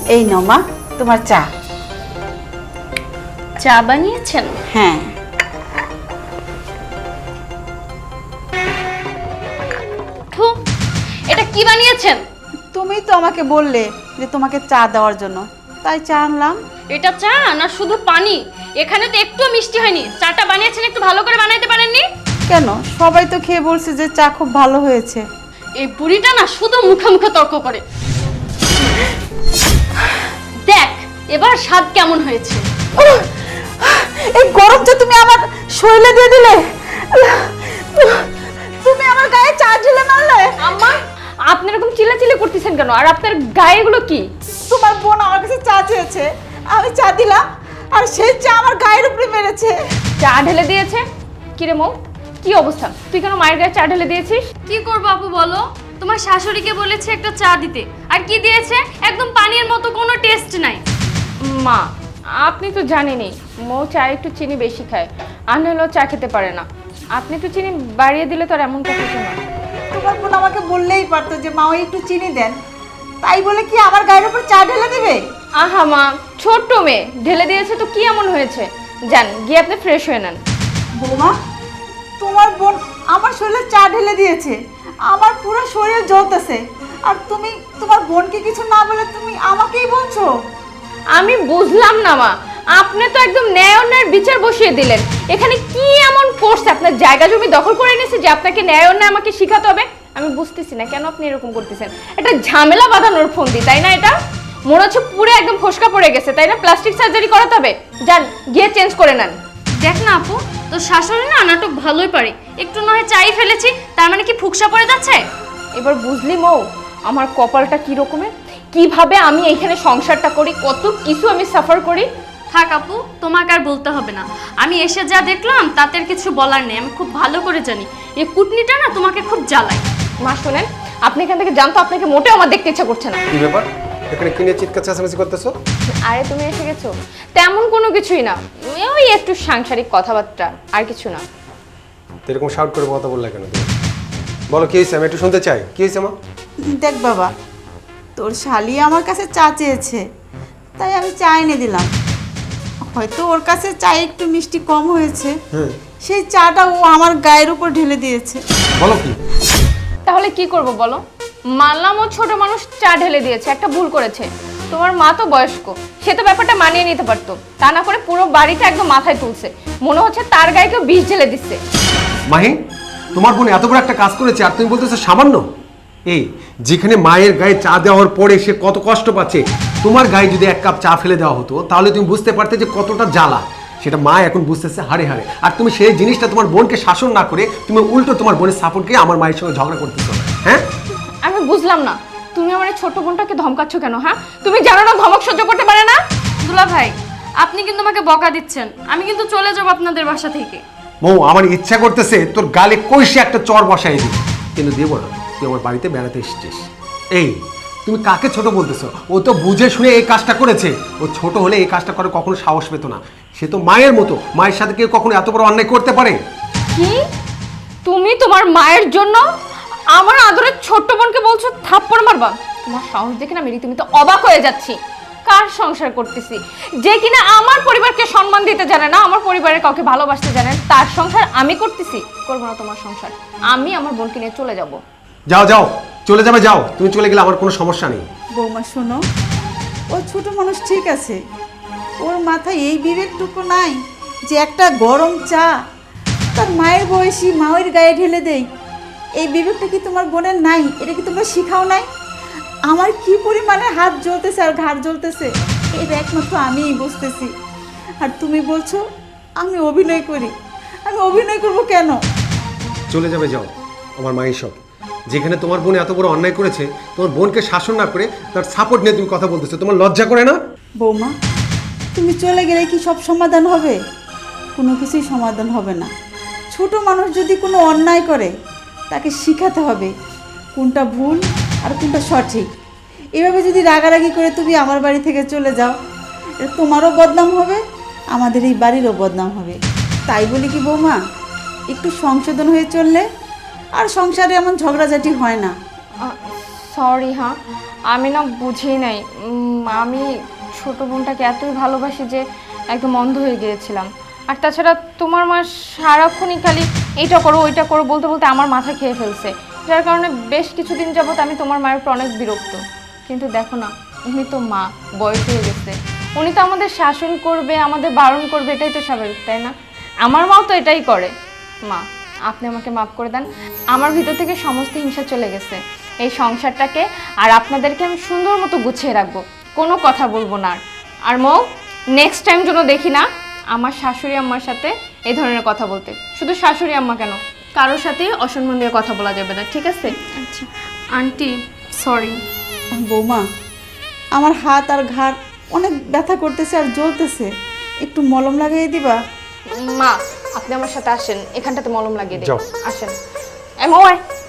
এই নাও মা তোমার চা। চা বানিয়েছেন? হ্যাঁ। থু, এটা কি বানিয়েছেন? তুমি তো আমাকে বললে যে তোমাকে চা দেওয়ার জন্য, তাই চা আনলাম। এটা চা না শুধু পানি? এখানে তো একটু মিষ্টি হয়নি। চাটা বানিয়েছেন একটু ভালো করে বানাইতে পারেননি? কেন, সবাই তো খেয়ে বলছে যে চা খুব ভালো হয়েছে। এই বুড়িটা না শুধু মুখে মুখে তর্ক করে। দেখ এবার স্বাদ কেমন হয়েছে। এই গরম চা তুমি আমার শরীরে দিয়ে দিলে, তুমি আমার গায়ে চা ঢেলে মারলে। আম্মা, আপনি এরকম চিল্লাচিল্লি করতেছেন কেন? আর আপনার গায়ে এগুলো কি? তোমার বোন আমার কাছে চা চেয়েছে, আমি চা দিলাম, আর সেই চা আমার গায়ের উপরে মেরেছে। চা ঢেলে দিয়েছে? কিরে মৌ, কি অবস্থা? তুই কেন মায়ের গায়ে চা ঢেলে দিয়েছিস? কি করবো আপু বলো? তোমার শাশুড়িকে বলেছে একটা চা দিতে, আর কি দিয়েছে? একদম পানির মতো, কোনো টেস্ট নাই। মা, আপনি তো জানেনই মৌ চা একটু চিনি বেশি খায়, আর হলেও চা খেতে পারে না। আপনি একটু চিনি বাড়িয়ে দিলে তো আর এমনটা হতো না। তোমার বোন আমাকে বললেই পারতো যে মা ওই একটু চিনি দেন, তাই বলে কি আমার গায়ের উপর চা ঢেলে দেবে? আহা মা, ছোট্ট মেয়ে ঢেলে দিয়েছে তো কি এমন হয়েছে? যান গিয়ে আপনি ফ্রেশ হয়ে নেন। বৌমা, তোমার বোন আমার শরীরে চা ঢেলে দিয়েছে, আমার পুরো শরীর জ্বলতেছে, আর তুমি তোমার বোনকে কিছু না বলে তুমি আমাকেই বলছো? আমি বুঝলাম না মা, আপনি তো একদম ন্যায় অন্যায়ের বিচার বসিয়ে দিলেন। এখানে কি এমন করছে? আপনার জায়গা জমি দখল করে নিয়েছে যে আপনাকে ন্যায় অন্যায় আমাকে শিখাতে হবে? আমি বুঝতেছি না কেন আপনি এরকম করতেছেন। এটা ঝামেলা বাঁধানোর ফন্দি, তাই না? এটা মনে হচ্ছে পুরো একদম ফসকা পড়ে গেছে, তাই না? প্লাস্টিক সার্জারি করাতে হবে। যান গিয়ে চেঞ্জ করে নেন। দেখ না আপু, তো শাশুড়ি না নাটক ভালোই পারে। একটু নয় চাই ফেলেছি, তার মানে কি ফুকসা পড়ে যাচ্ছে? এবার বুঝলি মৌ আমার কপালটা কি রকমের, কিভাবে আমি এইখানে সংসারটা করি, কত কিছু আমি সাফার করি। থাক আপু, তোমাকে আর বলতে হবে না। আমি এসে যা দেখলাম তাতে আর কিছু বলার নেই। আমি খুব ভালো করে জানি এই কুটনিটা না তোমাকে খুব জ্বালায়। মা শোনেন, আপনি এখান থেকে জানতো, আপনাকে মোটেও আমার দেখতে ইচ্ছা করছে না। কি ব্যাপার, এখানে কি নিয়ে চিৎকার চেঁচামেচি করতেছো? আরে তুমি এসে গেছো, তেমন কোনো কিছুই না, ওই একটু সাংসারিক কথাবার্তা, আর কিছু না। তো এরকম শাউট করে কথা বললে কেন তুমি? বলো কি হয়েছে, আমি একটু শুনতে চাই। কি হয়েছে মা? দেখ বাবা, তোর শালি আমার কাছে চা চেয়েছে, তাই আমি চা এনে দিলাম। হয়তো ওর কাছে চা একটু মিষ্টি কম হয়েছে, সেই চাটা ও আমার গায়ের উপর ঢেলে দিয়েছে। বলো কি? তাহলে কি করব বলো? মানলাম ও ছোট মানুষ, চা ঢেলে দিয়েছে, একটা ভুল করেছে। তোমার মা তো বয়স্ক, সে তো ব্যাপারটা মানিয়ে নিতে পারতো, তা না করে পুরো বাড়িটা একদম মাথায় তুলছে। মনে হচ্ছে তার গায়ে কেউ বিষ ঢেলে দিচ্ছে। মাহি, তোমার বোন এত বড় একটা কাজ করেছে আর তুমি বলতেছো সামান্য? এই যেখানে মায়ের গায়ে চা দেওয়ার পরে সে কত কষ্ট পাচ্ছে, তোমার গায়ে যদি এক কাপ চা ফেলে দেওয়া হতো তাহলে তুমি বুঝতে পারতে যে কতটা জ্বালা। সেটা মা এখন বুঝতেছে হাড়ে হাড়ে, আর তুমি সেই জিনিসটা তোমার বোনকে শাসন না করে তুমি উল্টো তোমার বোনের সাপোর্টকে আমার মায়ের সঙ্গে ঝগড়া করতেছো। হ্যাঁ, আমি বুঝলাম না, তুমি আমার এই ছোট বোনটাকে ধমকাচ্ছ কেন? হ্যাঁ, তুমি জানো না ধমক সহ্য করতে পারে না? দুলা ভাই, আপনি কিন্তু আমাকে বকা দিচ্ছেন। আমি কিন্তু চলে যাব আপনাদের বাসা থেকে। মৌ, আমার ইচ্ছা করতেছে তোর গালে কইসে একটা চর বসাই দিই, কিন্তু দেবো না। তুই আমার বাড়িতে বেড়াতে এসেছিস। এই তুমি কাকে ছোট বলতেছো? ও তো বুঝে শুনে এই কাজটা করেছে। ও ছোট হলে এই কাজটা করে কখনো সাহস পেত না। সে তো মায়ের মতো, মায়ের সাথে কেউ কখনো এত বড় অন্যায় করতে পারে? কি তুমি তোমার মায়ের জন্য আমার আদরের ছোট্ট বোনকে বলছো থাপ্পড় মারবা? তোমার সাহস দেখে না মেরি তুমি তো অবাক হয়ে যাচ্ছি। কার সংসার করতেছি যে কিনা আমার পরিবারকে সম্মান দিতে জানে না, আমার পরিবারের কাউকে ভালোবাসতে জানে না, তার সংসার আমি করতেছি? করবো না তোমার সংসার, আমি আমার বোনকে নিয়ে চলে যাব। যাও যাও, চলে যাবে, যাও। তুমি চলে গেলে আমার কোনো সমস্যা নেই। বৌমা শোনো, ও ছোট মানুষ ঠিক আছে, ওর মাথায় এই বিবেকটুকু নাই যে একটা গরম চা তার মায়ের বয়সী মায়ের গায়ে ঢেলে দেয়। এই বিবেকটা কি তোমার বোনের নাই? এটা কি তোমরা শিখাও নাই? আমার কি পরিমাণে হাত জ্বলতেছে আর ঘাড় জ্বলতেছে এটা একমাত্র আমিই বুঝতেছি। আর তুমি বলছো আমি অভিনয় করি? আমি অভিনয় করব কেন? চলে যাবে, যাও। আমার মায়ের সব, যেখানে তোমার বোন এত বড় অন্যায় করেছে, তোমার বোনকে শাসন না করে তার সাপোর্ট নিয়ে তুমি কথা বলতেছো, তোমার লজ্জা করে না? বৌমা, তুমি চলে গেলে কি সব সমাধান হবে? কোনো কিছুই সমাধান হবে না। ছোট মানুষ যদি কোনো অন্যায় করে তাকে শিখাতে হবে কোনটা ভুল আর কোনটা সঠিক। এভাবে যদি রাগারাগি করে তুমি আমার বাড়ি থেকে চলে যাও, এটা তোমারও বদনাম হবে, আমাদের এই বাড়িরও বদনাম হবে। তাই বলি কি বৌমা, একটু সংশোধন হয়ে চললে আর সংসারে এমন ঝগড়াঝাটি হয় না। সরি হ্যাঁ, আমি না বুঝি নাই। আমি ছোট বোনটাকে এতই ভালোবাসি যে একদম অন্ধ হয়ে গিয়েছিলাম। আর তাছাড়া তোমার মা সারাক্ষণই খালি এইটা করো ওইটা করো বলতে বলতে আমার মাথা খেয়ে ফেলছে, যার কারণে বেশ কিছুদিন যাবত আমি তোমার মায়ের উপর অনেক বিরক্ত। কিন্তু দেখো না, উনি তো মা, বয়স হয়ে গেছে, উনি তো আমাদের শাসন করবে, আমাদের বারণ করবে, এটাই তো স্বাভাবিক, তাই না? আমার মাও তো এটাই করে। মা, আপনি আমাকে মাফ করে দেন। আমার ভিতর থেকে সমস্ত হিংসা চলে গেছে। এই সংসারটাকে আর আপনাদেরকে আমি সুন্দর মতো গুছিয়ে রাখবো, কোনো কথা বলবো না। আর মৌ, নেক্সট টাইম যেন দেখি না আমার শাশুড়ি আম্মার সাথে এই ধরনের কথা বলতে। শুধু শাশুড়ি আম্মা কেন, কারোর সাথে অসম্মান দিয়ে কথা বলা যাবে না, ঠিক আছে? আচ্ছা আন্টি সরি। বৌমা, আমার হাত আর ঘাড় অনেক ব্যথা করতেছে আর জ্বলতেছে, একটু মলম লাগিয়ে দিবা? মা, আপনি আমার সাথে আসেন, এখানটাতে মলম লাগিয়ে দিই। যাও। আসেন। এ মৌ, আয়।